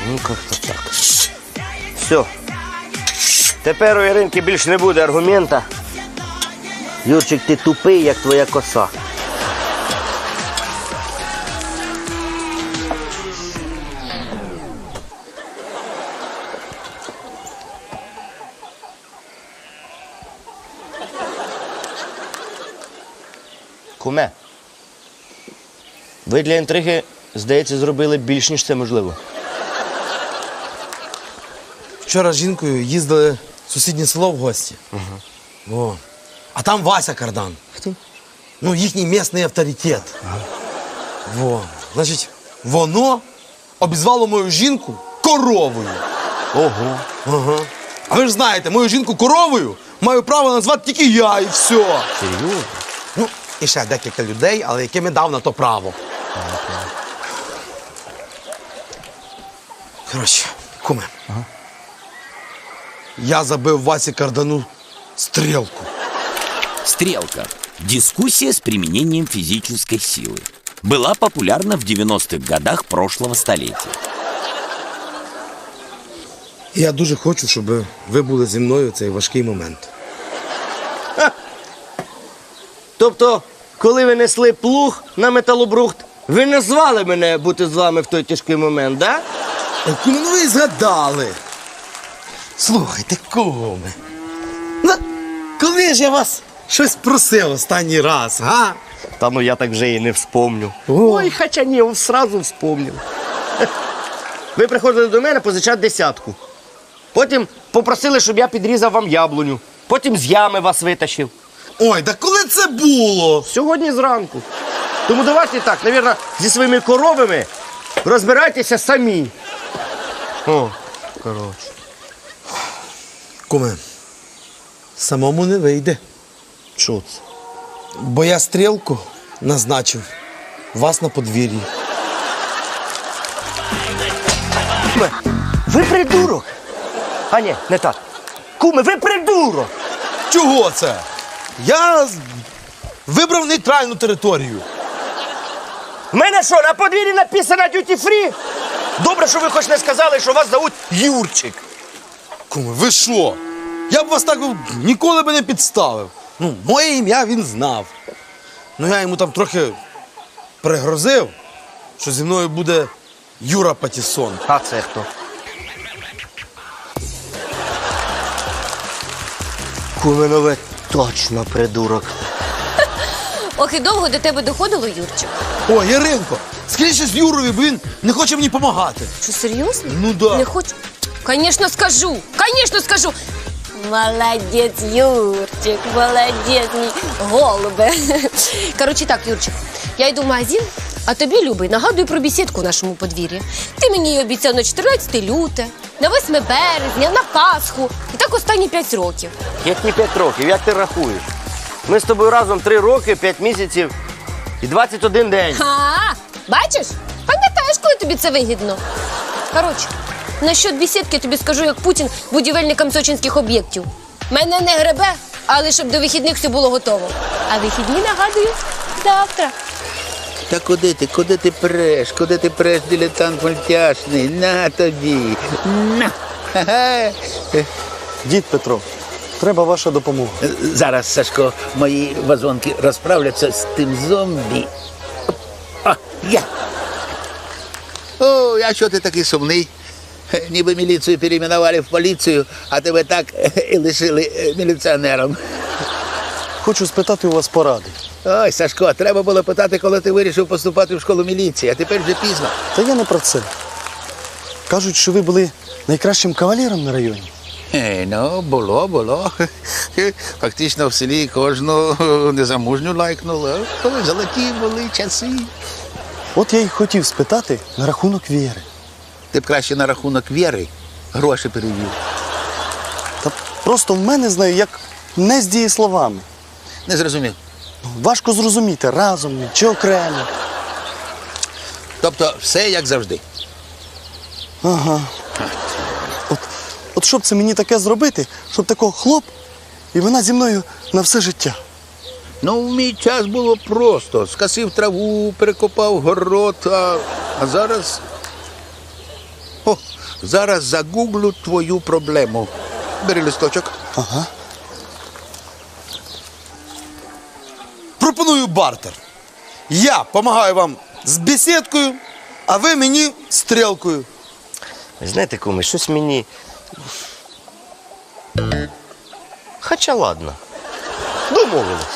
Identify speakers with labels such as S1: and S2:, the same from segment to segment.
S1: Ну, як-то так. Все. Тепер у Іринки більш не буде аргумента. Юрчик, ти тупий, як твоя коса. Куме, ви для інтриги, здається, зробили більш, ніж це можливо.
S2: Вчора з жінкою їздили в сусіднє село в гості. О. А там Вася Кардан.
S1: Хто?
S2: Ну, їхній місний авторитет. Во. Значить, воно обізвало мою жінку коровою.
S1: Ого.
S2: Ага. А ви ж знаєте, мою жінку коровою маю право назвати тільки я і все.
S1: Серйозно?
S2: Ну, і ще декілька людей, але яким я дав на то право. Коротше, куме.
S1: Ага.
S2: Я забив Васі Кардану стрелку.
S3: Стрелка. Дискуссия с применением физической силы. Была популярна в 90-х годах прошлого столетия.
S2: І я дуже хочу, щоб ви були зі мною в цей важкий момент.
S1: Тобто, коли ви несли плуг на металобрухт, ви не звали мене бути з вами в той тяжкий момент, да?
S2: Куме, ну ви згадали. Слухайте, куме. Ну, коли ж я вас щось просив останній раз, га?
S1: Та ну я так вже і не вспомню.
S2: О.
S1: Ой, хоча ні, сразу вспомнив. Ви приходили до мене позичати 10. Потім попросили, щоб я підрізав вам яблуню. Потім з ями вас витащив.
S2: Ой, да коли це було?
S1: Сьогодні зранку. Тому давайте так, навірно, зі своїми коровами розбирайтеся самі. О, коротше.
S2: Куме, самому не вийде.
S1: Що це?
S2: Бо я стрілку назначив вас на подвір'ї.
S1: Куме, ви придурок. А ні, не так. Куме, ви придурок.
S2: Чого це? Я вибрав нейтральну територію.
S1: В мене що, на подвір'ї написано «Duty Free»? Добре, що ви хоч не сказали, що вас зовуть Юрчик.
S2: Куме, ви що? Я б вас так ніколи би не підставив. Ну, моє ім'я він знав. Ну, я йому там трохи пригрозив, що зі мною буде Юра Патіссон.
S1: А це хто? Куме, ну ви точно придурок.
S4: Ох, і довго до тебе доходило, Юрчик?
S2: О, Яринко, скоріше з Юрою, бо він не хоче мені допомагати.
S4: Що, серйозно?
S2: Ну да.
S4: Не хочу? Конечно, скажу! Конечно, скажу! Молодець, Юрчик, молодець, мій голубе. Коротше так, Юрчик, я йду в магазин, а тобі, любий, нагадую про бесідку в нашому подвір'ї. Ти мені її обіцяв на 14 люте, на 8 березня, на Пасху. І так останні 5 років.
S1: Які 5 років? Як ти рахуєш? Ми з тобою разом 3 роки, 5 місяців і 21 день.
S4: Бачиш? Пам'ятаєш, коли тобі це вигідно? Коротше, насчет бесідки тобі скажу, як Путін будівельникам сочинських об'єктів. Мене не гребе, але щоб до вихідних все було готово. А вихідні, нагадую, завтра.
S5: Та куди ти преш, дилетант мультяшний? На тобі, на. Ха-ха.
S6: Дід Петро, треба ваша допомога.
S5: Зараз, Сашко, мої вазонки розправляться з тим зомбі. О, я. О, а що ти такий сумний? Ніби міліцію перейменували в поліцію, а тебе так і лишили міліціонером.
S6: Хочу спитати у вас поради.
S5: Ой, Сашко, треба було питати, коли ти вирішив поступати в школу міліції, а тепер вже пізно.
S6: Та я не про це. Кажуть, що ви були найкращим кавалером на районі.
S5: Ну, було. Фактично в селі кожну незамужню лайкнули. Золоті були часи.
S6: От я й хотів спитати на рахунок віри.
S5: Ти б краще на рахунок віри гроші перевів.
S6: Та просто в мене, знаю, як не з дієсловами.
S5: Не зрозумів.
S6: Важко зрозуміти, разом чи окремо.
S5: Тобто все як завжди.
S6: Ага. От щоб це мені таке зробити, щоб такого хлоп, і вона зі мною на все життя.
S5: Ну, в мій час було просто. Скосив траву, перекопав город, а зараз О, зараз загуглю твою проблему. Бери листочок.
S2: Пропоную бартер. Я допомагаю вам з бесідкою, а ви мені стрілкою.
S1: Ви знаєте, куме, щось мені. Хоча ладно. Домовились.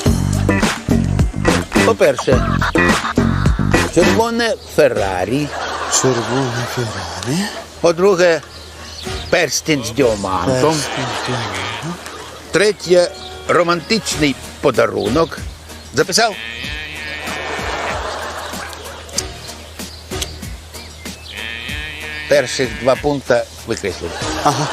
S5: По-перше, червоне Феррарі.
S6: Червоне Феррарі.
S5: По-друге, перстень з діамантом. Третє, романтичний подарунок. Записав? Перших 2 пункти викреслив.
S6: Ага.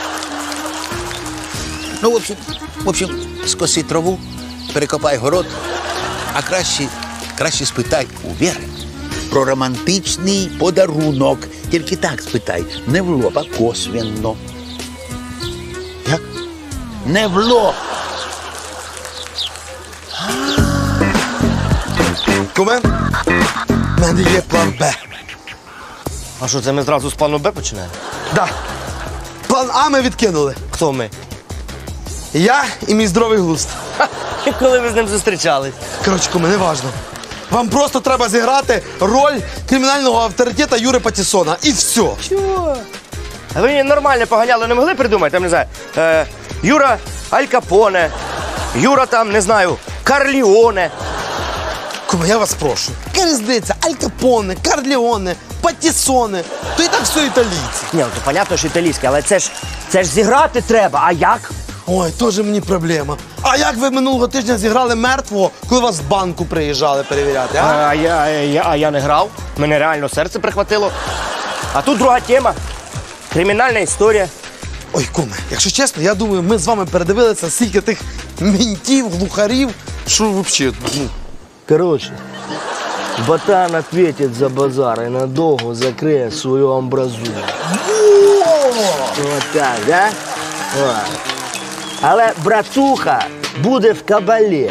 S5: Ну, в общем, скоси траву, перекопай город, а краще спитай у Віри про романтичний подарунок. Тільки так спитай, не в лоб, а косвенно.
S6: Як?
S5: Не в лоб.
S2: Куме, в мене є план Б.
S1: А що, це ми зразу з плану Б починаємо?
S2: Да. План А ми відкинули.
S1: Хто ми?
S2: Я і мій здоровий глузд.
S1: І коли ви з ним зустрічались?
S2: Коротше, куме, не важно. Вам просто треба зіграти роль кримінального авторитета Юри Патісона. І все.
S1: А ви нормально поганяли, не могли придумати, там, не знаю, Юра Аль Капоне, Юра там, не знаю, Карліоне.
S2: Куме, я вас прошу. Яка різниця? Аль Капоне, Карліоне, Патісоне. То і так все італійці.
S1: Ні, ну, то понятно, що італійське, але це ж зіграти треба, а як?
S2: Ой, теж мені проблема. А як ви минулого тижня зіграли мертвого, коли вас з банку приїжджали перевіряти, а?
S1: А я не грав, мене реально серце прихватило. А тут друга тема, кримінальна історія.
S2: Ой, куме, якщо чесно, я думаю, ми з вами передивилися стільки тих ментів, глухарів, що взагалі, ну.
S7: Короче, ботан ответит за базар и надолго закроет свою амбразуру. Вот так, да? О. Але братуха буде в кабалі.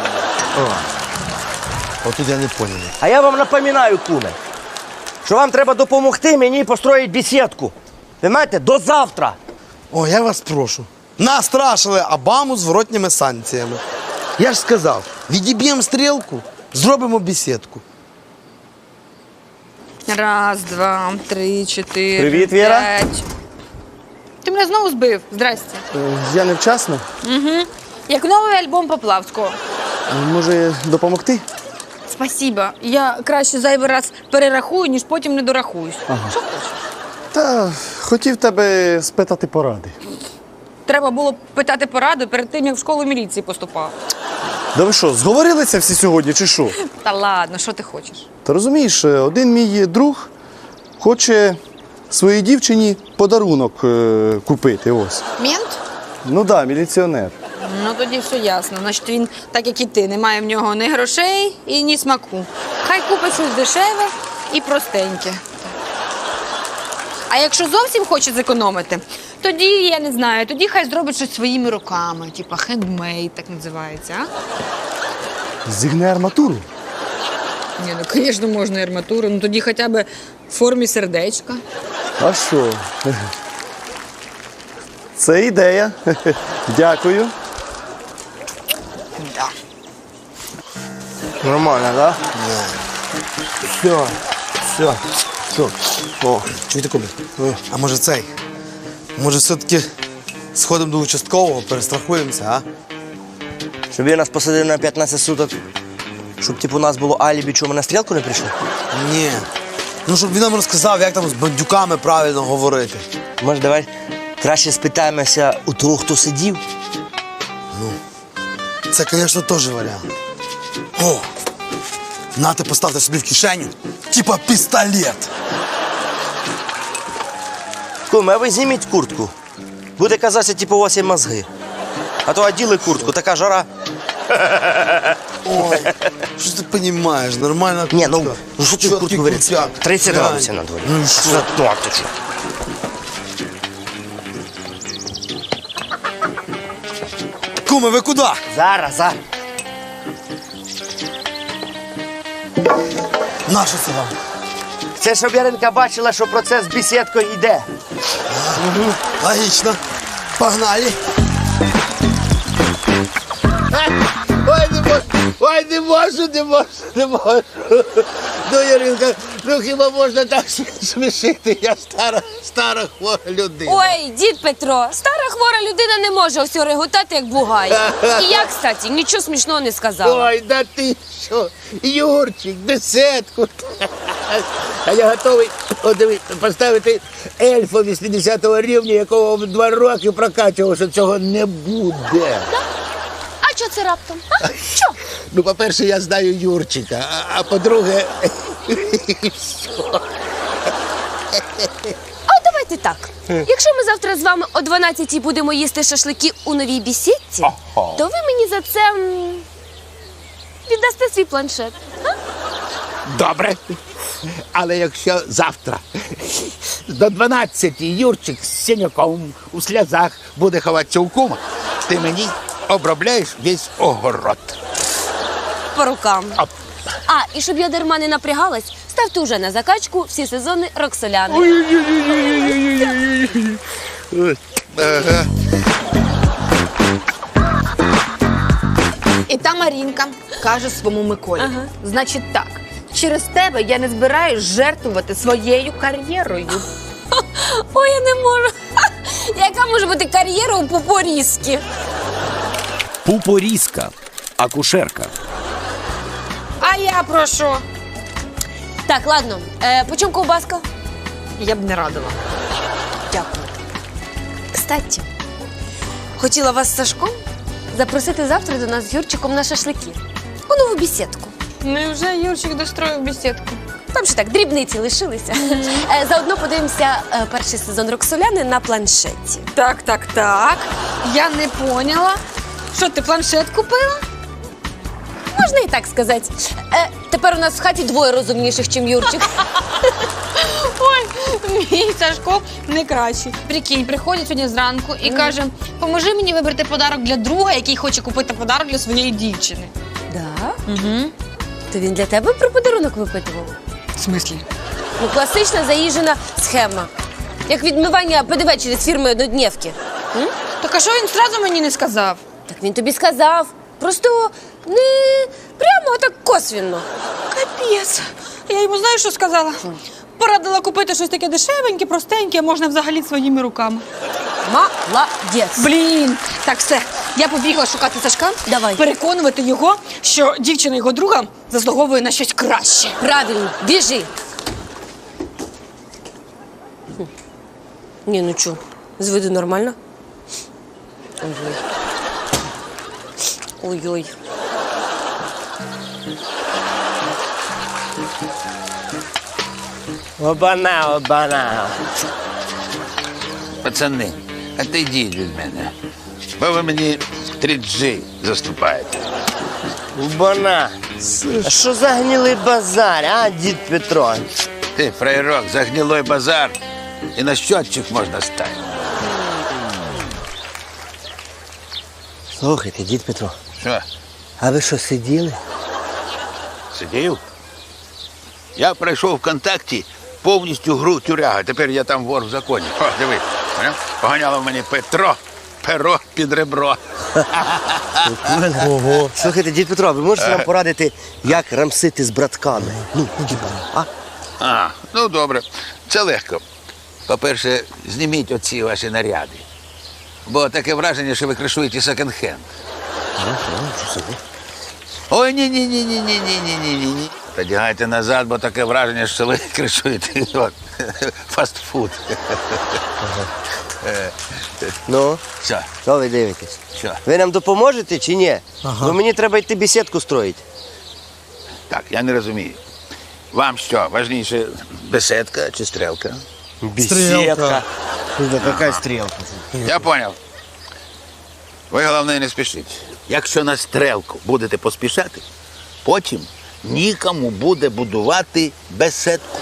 S2: Отут я не поняв.
S1: А я вам напоминаю, куме, що вам треба допомогти мені построїти бесідку. Ви знаєте, до завтра.
S2: О, я вас прошу. Настрашили Обаму зворотніми санкціями. Я ж сказав, відіб'ємо стрілку, зробимо бесідку.
S8: Раз, два, три, чотири.
S1: Привіт, Віра.
S8: 5. Ти мене знову збив. Здрасте.
S6: Я невчасно.
S8: Як новий альбом Поплавського.
S6: Може, допомогти?
S8: Спасибо. Я краще зайвий раз перерахую, ніж потім не дорахуюсь. Що хочеш?
S6: Та хотів тебе спитати поради.
S8: Треба було питати пораду перед тим, як в школу міліції поступав.
S6: Да ви що, зговорилися всі сьогодні, чи що?
S8: Та ладно, що ти хочеш?
S6: Та розумієш, один мій друг хоче своїй дівчині подарунок купити, ось.
S8: Мент?
S6: Ну да, міліціонер.
S8: Ну тоді все ясно. Значить, він, так як і ти, не має в нього ні грошей і ні смаку. Хай купить щось дешеве і простеньке. А якщо зовсім хоче зекономити, тоді, я не знаю, тоді хай зробить щось своїми руками, типа хендмейд, так називається, а?
S6: Зігне арматуру.
S8: Ні, ну, звісно, можна і арматуру, ну тоді хоча б в формі сердечка.
S6: А що? Це ідея. Дякую.
S1: Нормально, так?
S6: Все. О,
S2: Чуєте, куме? А може цей? Може все-таки сходимо до участкового, перестрахуємося, а?
S1: Щоб він нас посадив на 15 суток, щоб типу, у нас було алібі, чому ми на стрілку не прийшли?
S2: Ні. Ну, щоб він нам розказав, як там з бандюками правильно говорити.
S1: Може, давай краще спитаємося у того, хто сидів?
S2: Це, звісно, теж варіант. О! Нате, поставте собі в кишеню, типа пістолет.
S1: Куме, а ви зніміть куртку. Буде казатися, типу, у вас є мозги. А то оділи куртку, така жара.
S2: Ой, що ти розумієш, нормальна куртка.
S1: Ні, ну що ти в куртку говориш?
S2: крутяк.
S1: 30
S2: Глянь.
S1: градусів на дворі.
S2: Ну і що?
S1: Ну, а ти що?
S2: Куме, ви куди?
S1: Зараз.
S2: Нащо це вам?
S1: Це щоб Яринка бачила, що процес з бесідкою йде.
S2: Логічно. Погнали.
S5: Ой, не можу. Ну, Яринка, ну хіба можна так смішити? Я стара хвора людина.
S4: Ой, дід Петро, стара хвора людина не може все реготати, як бугай. І я, кстати, нічого смішного не сказала.
S5: Ой, да ти що, Юрчик, десятку. А я готовий поставити ельфа 80-го рівня, якого в 2 роки прокачував, що цього не буде.
S4: А що це раптом? А? Що?
S5: Ну, по-перше, я знаю Юрчика, а по-друге,
S4: А давайте так. Якщо ми завтра з вами о 12-й будемо їсти шашлики у новій бесідці, то ви мені за це віддасте свій планшет.
S5: добре. Але якщо завтра до 12-ї Юрчик з синяком у сльозах буде ховатися у кума, ти мені обробляєш весь огород.
S4: По рукам.
S5: Оп.
S4: А, і щоб я дарма не напрягалась, ставте уже на закачку всі сезони Роксоляни.
S8: І та Марінка каже своєму Миколі. Значить так, через тебе я не збираюсь жертвувати своєю кар'єрою.
S4: Ой, я не можу. Яка може бути кар'єра у Пупорізки?
S3: Пупориска. Акушерка.
S8: А я про що?
S4: Так, ладно. По чому ковбаска?
S8: Я б не радила.
S4: Дякую. Кстати, хотіла вас з Сашком запросити завтра до нас з Юрчиком на шашлики. У нову бесідку.
S8: Невже Юрчик достроїв бесідку?
S4: Там ще так, дрібниці лишилися. Заодно подивимося перший сезон Роксоляни на планшеті.
S8: Так. Я не поняла. Що, ти планшет купила?
S4: Можна і так сказати. Тепер у нас в хаті 2 розумніших, ніж Юрчик.
S8: Ой, мій Сашко не кращий. Прикинь, приходить сьогодні зранку і каже, поможи мені вибрати подарок для друга, який хоче купити подарок для своєї дівчини.
S4: Да? Угу. То він для тебе про подарунок випитував?
S8: В смислі?
S4: Ну, класична заїжджена схема. Як відмивання ПДВ через фірми однодневки.
S8: Так а що він одразу мені не сказав?
S4: Так він тобі сказав. Просто не прямо, а так косвенно.
S8: Капець. Я йому знаєш, що сказала? Порадила купити щось таке дешевеньке, простеньке, можна взагалі своїми руками.
S4: Молодець.
S8: Блін, так все. Я побігла шукати Сашка,
S4: Давай.
S8: переконувати його, що дівчина його друга заслуговує на щось краще.
S4: Правильно, біжи. Ні, ну чо, з виду нормально? Ой-ой. Ой-ой.
S1: Обана.
S5: Пацани, отойдіть від мене. Бо ви мені 3G заступаєте.
S1: Обана. А що за гнилий базар, а, дід Петро?
S5: Ти, фраєрок, за гнилой базар і на щотчик можна стати.
S1: Слухайте, дід Петро,
S5: Що,
S1: а ви що, сиділи?
S5: сидів? Я пройшов ВКонтакті повністю гру тюряга. Тепер я там вор в законі. О, диви, поняв? Поганяло мені Петро, перо під ребро.
S1: Ого. Слухайте, дід Петро, ви можете нам порадити, як рамсити з братками? Ну, діба, а?
S5: А, ну добре, це легко. По-перше, зніміть оці ваші наряди. Бо таке враження, що ви кришуєте секонд-хенд. Ой, ні. Подягайте назад, бо таке враження, що ви кришуєте фастфуд.
S1: Ну,
S5: Що?
S1: що ви дивитесь?
S5: Що?
S1: Ви нам допоможете чи ні? Бо мені треба йти бесідку строїти.
S5: Так, я не розумію. Вам що, важніше беседка чи стрілка?
S1: Бесідка. Яка стрілка?
S5: Я поняв. Ви, головне, не спішіть. Якщо на стрелку будете поспішати, потім нікому буде будувати беседку.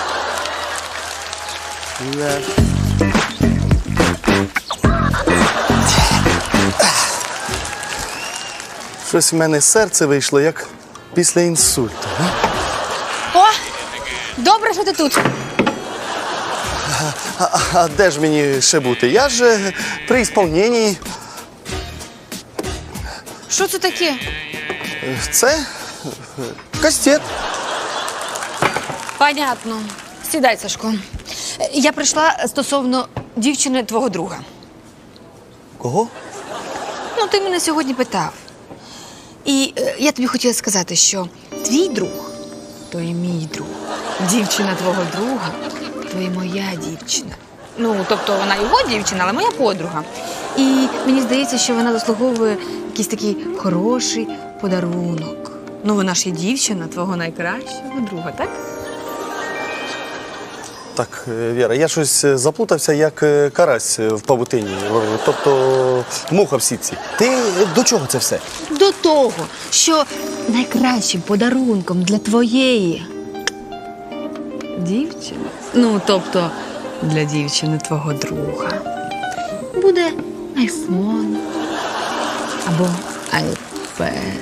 S6: Щось в мене серце вийшло, як після інсульту.
S8: О, Добре, що ти тут.
S6: А де ж мені ще бути? Я ж при ісполненні.
S8: Що це таке?
S6: Це кастет.
S8: Понятно. Сідай, Сашко. Я прийшла стосовно дівчини твого друга.
S6: Кого?
S8: Ну, ти мене сьогодні питав. І я тобі хотіла сказати, що твій друг то і мій друг. Дівчина твого друга то і моя дівчина. Ну, тобто вона його дівчина, але моя подруга. І мені здається, що вона заслуговує якийсь такий хороший подарунок. Ну, вона ж є дівчина твого найкращого друга, так?
S6: Так, Віра, я щось заплутався, як карась в павутині. Тобто муха в сітці. Ти до чого це все?
S8: До того, що найкращим подарунком для твоєї дівчини, ну, тобто для дівчини твого друга, буде айфон або айпед.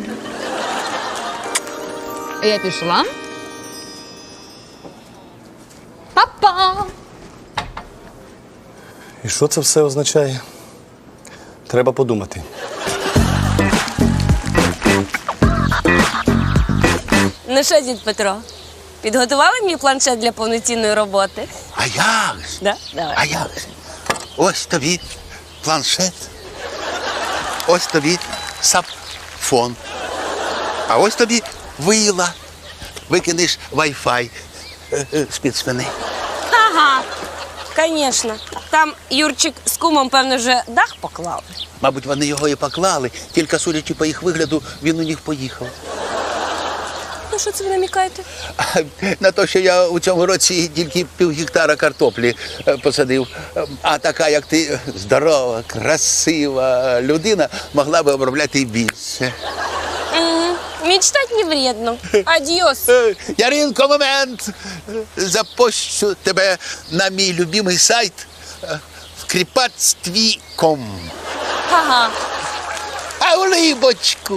S8: Я пішла. Па-па!
S6: І що це все означає? Треба подумати.
S4: Ну що, дід Петро, підготували мій планшет для повноцінної роботи?
S5: А як ж?
S4: Да? Давай.
S5: А як же? Ось тобі планшет, ось тобі сапфон, а ось тобі вила. Викинеш Wi-Fi з-під спини.
S4: Ага, звісно. Там Юрчик з кумом, певно, вже дах поклали.
S5: Мабуть, вони його і поклали, тільки судячи по їх вигляду, він у них поїхав.
S4: Ну, що це ви намікаєте?
S5: На те, що я у цьому році тільки півгектара картоплі посадив. А така, як ти, здорова, красива людина, могла би обробляти і більше.
S4: Мечтать не вредно. Адьос.
S5: Яринко, момент! Запущу тебе на мій любимий сайт в кріпацтві.ком.
S4: Ага.
S5: А в либочку!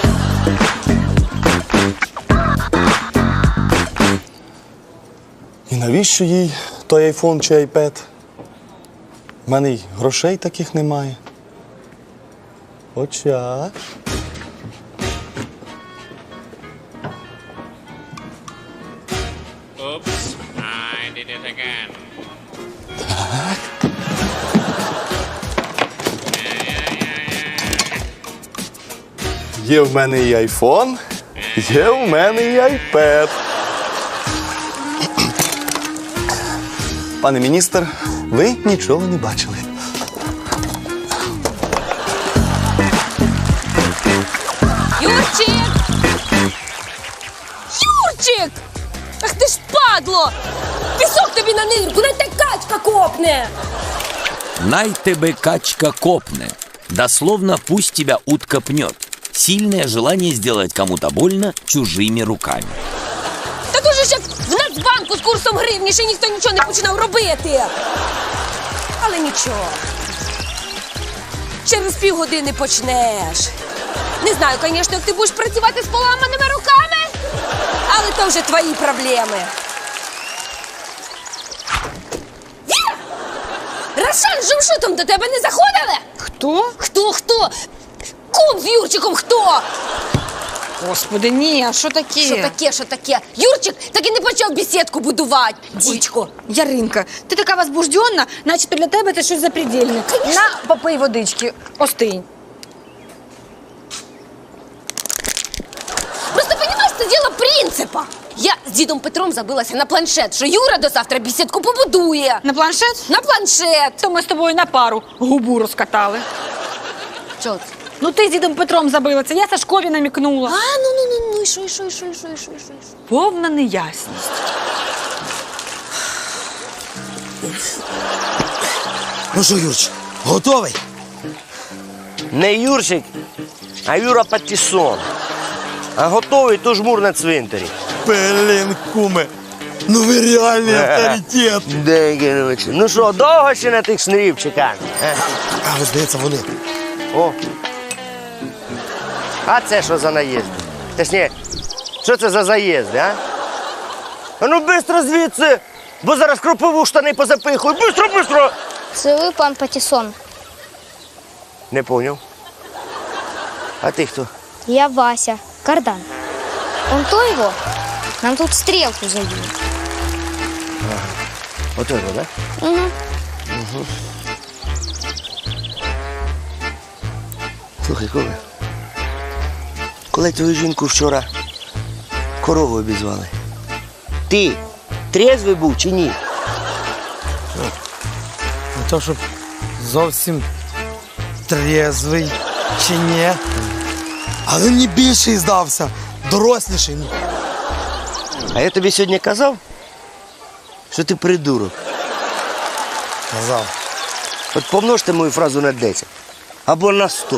S6: І навіщо їй той айфон чи айпед? У мене й грошей таких немає. Хоча.
S9: Oops, I did it again.
S6: Є в мене і айфон, є в мене і айпед. Пане міністр, ви нічого не бачили.
S4: Юрчик! Юрчик! Ах ти ж падло! Пісок тобі на нирку, дай та качка копне!
S3: Най тебе качка копне. Дословно, пусть тебя утка пнет. Сильное желание сделать кому-то больно чужими руками.
S4: Так уже ж як в Нацбанку з курсом гривні ще ніхто нічого не починав робити. Але нічого. Через півгодини почнеш. Не знаю, звісно, як ти будеш працювати з поламаними руками, але то вже твої проблеми. Віра! Рошан з Жумшутом до тебе не заходили?
S8: Хто?
S4: Хто? Кум з Юрчиком хто?
S8: Господи, ні, а що таке?
S4: Що таке? Юрчик так і не почав бесідку будувати, дідько.
S8: Яринка, ти така возбужденна, начебто для тебе це щось запредельне. На, попий водички, остинь.
S4: Просто, понимаешь, це діло принципа. Я з дідом Петром забилася на планшет, що Юра до завтра бесідку побудує.
S8: На планшет?
S4: На планшет.
S8: То ми з тобою на пару губу розкатали.
S4: Що це?
S8: Ну ти з дідом Петром забилася, я Сашкові намікнула.
S4: Ну, і що?
S8: Повна неясність.
S2: Ну що, Юрч, готовий?
S1: Не Юрчик, а Юра Патісон. А готовий то жмур на цвинтарі.
S2: Блін, куме, ну ви реальний авторитет.
S1: Де, короче. Ну що, довго ще на тих шнурів чекати?
S2: А, ось, здається, вони.
S1: О. А це що за наїзди? Точніше, що це за заїзди, а? А ну бистро звідси, бо зараз кропову штани позапихую. Бистро, бистро!
S10: Це ви, пан Патісон.
S1: Не поняв. А ти хто?
S10: Я Вася, кардан. Он то его, нам тут стрелку забили.
S1: Ото його, так?
S10: Угу.
S1: Слухай, коли твою жінку вчора корову обізвали, ти трезвий був чи ні?
S2: Не то, щоб зовсім трезвий чи ні. Але мені більший здався, доросліший. Ну,
S1: А я тобі сьогодні казав, що ти придурок.
S2: казав.
S1: От помножте мою фразу на 10 або на 100.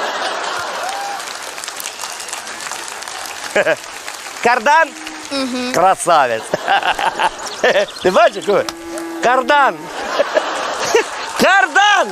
S1: Кардан? Угу. Красавець. Ти бачиш, Коля? Кардан. Кардан!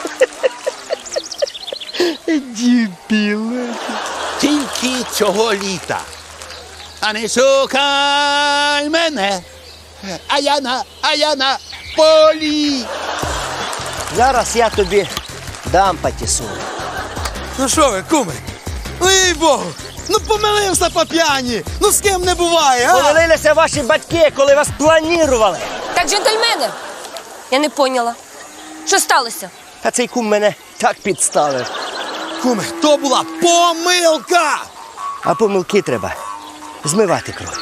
S1: Дебіл.
S5: Тільки цього літа. А не шукай мене, а я на полі.
S1: Зараз я тобі дам патісу.
S2: Ну що ви, куми? Ну, їй Богу, ну помилився по п'яні. Ну з ким не буває, а?
S1: Помилилися ваші батьки, коли вас планували.
S4: Так, джентльмени, я не поняла. Що сталося?
S1: А цей кум мене так підставив.
S2: Куми, то була помилка!
S1: А помилки треба змивати кров.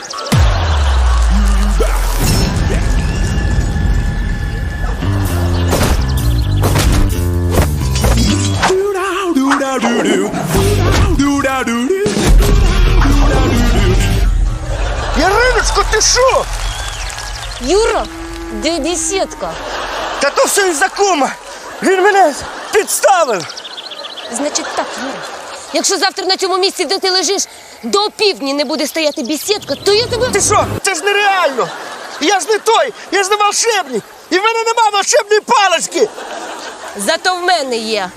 S1: Яриночко, ти що?
S4: Юра, де десятка?
S1: Та то все із-за кума. Він мене підставив.
S4: Значить так, Юра. Якщо завтра на цьому місці, де ти лежиш, до опівдні не буде стояти бесідка, то я тебе...
S1: Ти що? Це ж нереально. Я ж не той, я ж не волшебник. І в мене нема волшебної палички.
S4: Зато в мене є.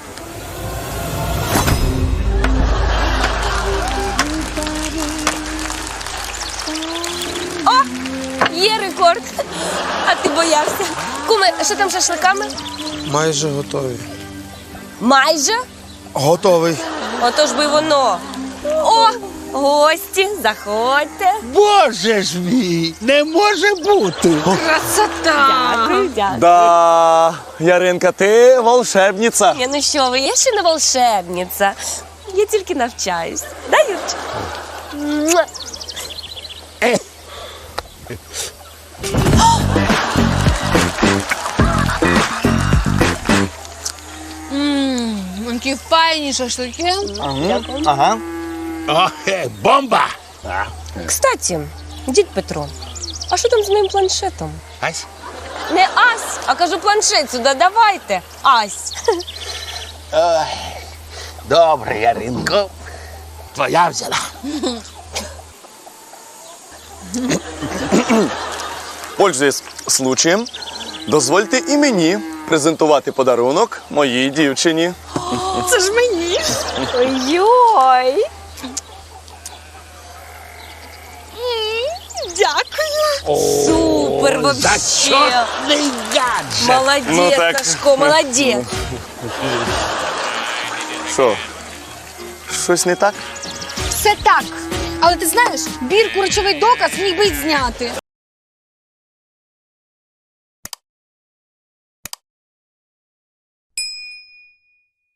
S4: О, є рекорд. А ти боявся. Куме, а що там з шашликами?
S2: Майже готові.
S4: Майже?
S2: Готовий.
S4: Отож би воно. О, гості, заходьте.
S5: Боже ж мій, не може бути.
S8: Красота!
S4: Дякую, дякую.
S6: Да, Яринка, ти волшебниця.
S4: Ні, ну що ви, я ще не волшебниця. Я тільки навчаюсь. Да, Юрчик? Муа.
S8: Які файні шашлики.
S6: Ага.
S5: Бомба!
S4: Кстати, дід Петро, а що там з моїм планшетом?
S5: Ась?
S4: Не ась, а кажу планшет сюди, давайте. Ась.
S5: Добре, Яринко. Твоя взяла.
S6: Пользуясь случаєм, дозвольте і мені презентувати подарунок моїй дівчині.
S8: Це ж мені.
S4: Ой-ой.
S8: Дякую.
S4: Супер вообще.
S5: Зачетний гаджет.
S4: Молодець,
S6: Ну так.
S4: Сашко, молодець.
S6: Що? Щось не так?
S8: Все так. Але ти знаєш, бірку речовий доказ міг би й зняти.